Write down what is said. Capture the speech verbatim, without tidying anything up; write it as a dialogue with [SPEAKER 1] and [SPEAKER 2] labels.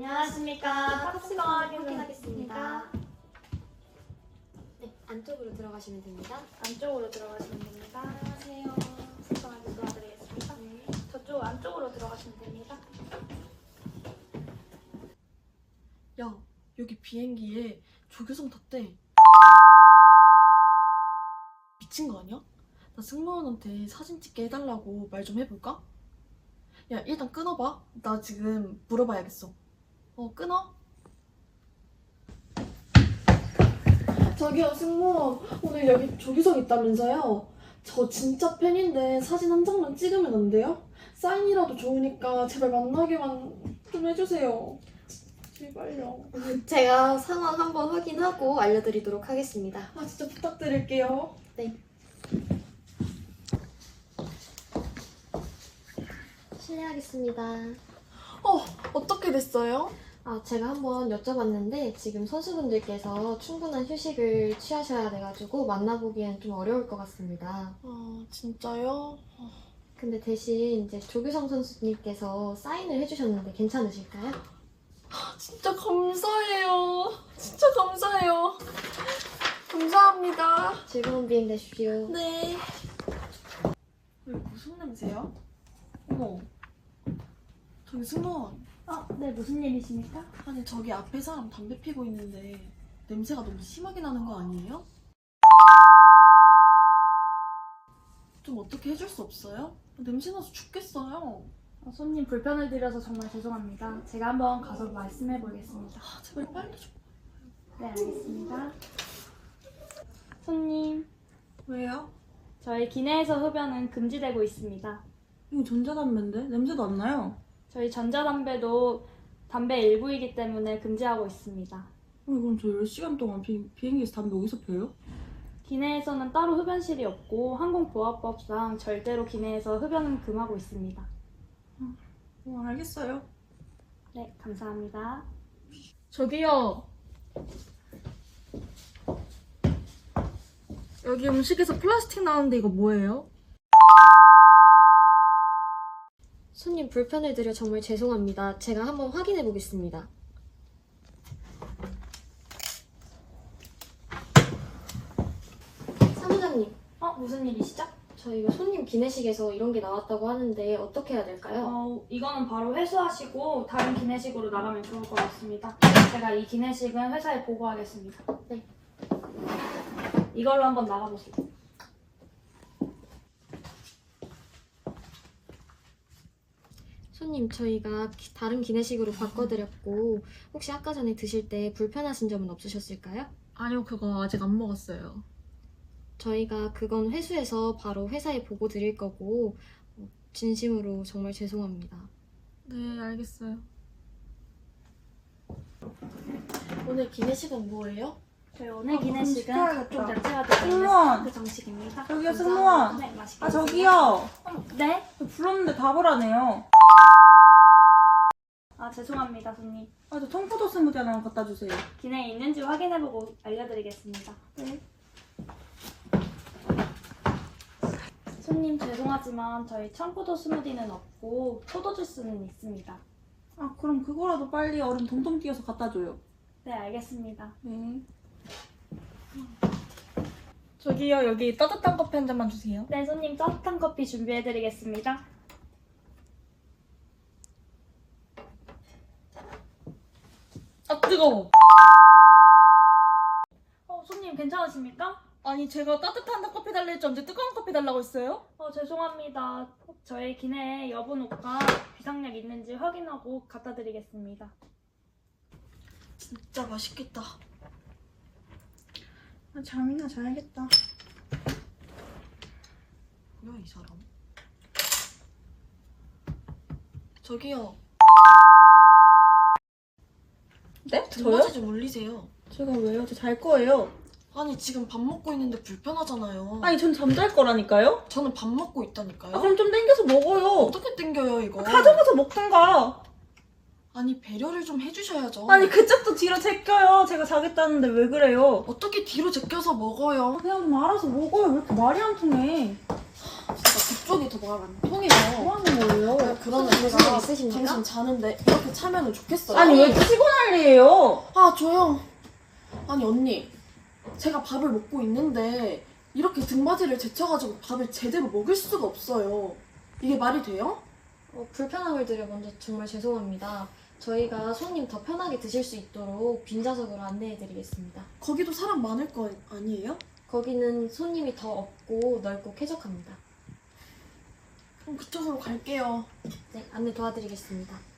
[SPEAKER 1] 안녕하십니까. 탑승권 확인하겠습니다.
[SPEAKER 2] 네, 안쪽으로 들어가시면 됩니다.
[SPEAKER 1] 안쪽으로 들어가시면 됩니다. 안녕하세요. 승권하게 도와드리겠습니다. 네. 저쪽 안쪽으로 들어가시면 됩니다.
[SPEAKER 3] 야, 여기 비행기에 조교성 탔대. 미친 거 아니야? 나 승무원한테 사진 찍게 해달라고 말 좀 해볼까? 야, 일단 끊어봐. 나 지금 물어봐야겠어. 어, 끊어? 저기요, 승무원. 오늘 여기 조교성 있다면서요? 저 진짜 팬인데 사진 한 장만 찍으면 안 돼요? 사인이라도 좋으니까 제발 만나게만 좀 해주세요. 제발요.
[SPEAKER 2] 제가 상황 한번 확인하고 알려드리도록 하겠습니다.
[SPEAKER 3] 아, 진짜 부탁드릴게요.
[SPEAKER 2] 네. 실례하겠습니다.
[SPEAKER 3] 어, 어떻게 됐어요?
[SPEAKER 2] 아, 제가 한번 여쭤봤는데 지금 선수분들께서 충분한 휴식을 취하셔야 돼가지고 만나보기엔 좀 어려울 것 같습니다.
[SPEAKER 3] 아, 진짜요?
[SPEAKER 2] 근데 대신 이제 조규성 선수님께서 사인을 해주셨는데 괜찮으실까요?
[SPEAKER 3] 아, 진짜 감사해요. 진짜 감사해요. 감사합니다.
[SPEAKER 2] 즐거운 비행 되십시오.
[SPEAKER 3] 네. 여기 무슨 냄새야? 어머. 저기 승무원.
[SPEAKER 1] 어, 네. 무슨 일이십니까?
[SPEAKER 3] 아니, 저기 앞에 사람 담배 피고 있는데 냄새가 너무 심하게 나는 거 아니에요? 좀 어떻게 해줄 수 없어요? 냄새 나서 죽겠어요.
[SPEAKER 1] 어, 손님 불편을 드려서 정말 죄송합니다. 제가 한번 가서 말씀해 보겠습니다.
[SPEAKER 3] 아, 제발 빨리 좀.
[SPEAKER 1] 네, 알겠습니다. 손님,
[SPEAKER 4] 왜요?
[SPEAKER 1] 저희 기내에서 흡연은 금지되고 있습니다.
[SPEAKER 4] 이거 전자담배인데? 냄새도 안 나요.
[SPEAKER 1] 저희 전자담배도 담배 일부이기 때문에 금지하고 있습니다.
[SPEAKER 4] 어, 그럼 저 열 시간 동안 비, 비행기에서 담배 어디서 펴요?
[SPEAKER 1] 기내에서는 따로 흡연실이 없고 항공보안법상 절대로 기내에서 흡연은 금하고 있습니다.
[SPEAKER 4] 어, 알겠어요.
[SPEAKER 1] 네, 감사합니다.
[SPEAKER 3] 저기요. 여기 음식에서 플라스틱 나오는데 이거 뭐예요?
[SPEAKER 2] 손님 불편을 드려 정말 죄송합니다. 제가 한번 확인해 보겠습니다. 사무장님,
[SPEAKER 1] 어, 무슨 일이시죠?
[SPEAKER 2] 저희가 손님 기내식에서 이런 게 나왔다고 하는데 어떻게 해야 될까요?
[SPEAKER 1] 어, 이거는 바로 회수하시고 다른 기내식으로 나가면 좋을 것 같습니다. 제가 이 기내식은 회사에 보고하겠습니다.
[SPEAKER 2] 네.
[SPEAKER 1] 이걸로 한번 나가보세요.
[SPEAKER 2] 손님, 저희가 기- 다른 기내식으로 바꿔드렸고 혹시 아까 전에 드실 때 불편하신 점은 없으셨을까요?
[SPEAKER 3] 아니요, 그거 아직 안 먹었어요.
[SPEAKER 2] 저희가 그건 회수해서 바로 회사에 보고 드릴 거고 어, 진심으로 정말 죄송합니다.
[SPEAKER 3] 네, 알겠어요. 오늘 기내식은 뭐예요?
[SPEAKER 1] 저희 오늘
[SPEAKER 4] 아,
[SPEAKER 1] 기내식은
[SPEAKER 4] 시켜야겠다.
[SPEAKER 1] 각종 야채가 들어있는
[SPEAKER 4] 승무원!
[SPEAKER 1] 스테이크 정식입니다.
[SPEAKER 4] 저기요, 승무원!
[SPEAKER 1] 네, 맛있게
[SPEAKER 4] 아,
[SPEAKER 1] 드세요.
[SPEAKER 4] 저기요!
[SPEAKER 1] 어, 네?
[SPEAKER 4] 저 불렀는데 답을 안 해요.
[SPEAKER 1] 아, 죄송합니다, 손님.
[SPEAKER 4] 아, 저 청포도 스무디 하나만 갖다 주세요.
[SPEAKER 1] 기내에 있는지 확인해보고 알려드리겠습니다.
[SPEAKER 4] 네.
[SPEAKER 1] 손님 죄송하지만 저희 청포도 스무디는 없고 포도 주스는 있습니다.
[SPEAKER 4] 아, 그럼 그거라도 빨리 얼음 동동 띄어서 갖다 줘요.
[SPEAKER 1] 네, 알겠습니다.
[SPEAKER 4] 네.
[SPEAKER 3] 저기요, 여기 따뜻한 커피 한 잔만 주세요.
[SPEAKER 1] 네, 손님 따뜻한 커피 준비해드리겠습니다.
[SPEAKER 3] 아, 뜨거워.
[SPEAKER 1] 어, 손님 괜찮으십니까?
[SPEAKER 3] 아니, 제가 따뜻한 커피 달라 했지 언제 뜨거운 커피 달라고 했어요?
[SPEAKER 1] 어, 죄송합니다. 저희 기내에 여분 옷과 비상약 있는지 확인하고 갖다 드리겠습니다.
[SPEAKER 3] 진짜 맛있겠다.
[SPEAKER 4] 아, 잠이나 자야겠다.
[SPEAKER 3] 뭐야, 이 사람? 저기요.
[SPEAKER 4] 네?
[SPEAKER 3] 등받이 좀 올리세요.
[SPEAKER 4] 제가 왜요? 저 잘 거예요.
[SPEAKER 3] 아니, 지금 밥 먹고 있는데 불편하잖아요.
[SPEAKER 4] 아니, 전 잠잘 거라니까요?
[SPEAKER 3] 저는 밥 먹고 있다니까요.
[SPEAKER 4] 아, 그럼 좀 땡겨서 먹어요.
[SPEAKER 3] 어떻게 땡겨요, 이거?
[SPEAKER 4] 가져가서 먹든가.
[SPEAKER 3] 아니, 배려를 좀 해주셔야죠.
[SPEAKER 4] 아니, 그쪽도 뒤로 제껴요. 제가 자겠다는데 왜 그래요?
[SPEAKER 3] 어떻게 뒤로 제껴서 먹어요?
[SPEAKER 4] 그냥 좀 알아서 먹어요. 왜 이렇게 말이 안 통해?
[SPEAKER 3] 그쪽이 더 말을 안 통해요.
[SPEAKER 4] 뭐 하는 거예요?
[SPEAKER 3] 아, 그러면
[SPEAKER 2] 무슨
[SPEAKER 3] 제가
[SPEAKER 2] 일 있으십니까?
[SPEAKER 3] 당신 자는데 이렇게 차면은 좋겠어요.
[SPEAKER 4] 아니 왜 치고 난리예요?
[SPEAKER 3] 아 조용. 아니 언니, 제가 밥을 먹고 있는데 이렇게 등받이를 제쳐가지고 밥을 제대로 먹을 수가 없어요. 이게 말이 돼요?
[SPEAKER 2] 어, 불편함을 드려 먼저 정말 죄송합니다. 저희가 손님 더 편하게 드실 수 있도록 빈좌석으로 안내해드리겠습니다.
[SPEAKER 3] 거기도 사람 많을 거 아니에요?
[SPEAKER 2] 거기는 손님이 더 없고 넓고 쾌적합니다.
[SPEAKER 3] 그럼 그쪽으로 갈게요.
[SPEAKER 2] 네, 안내 도와드리겠습니다.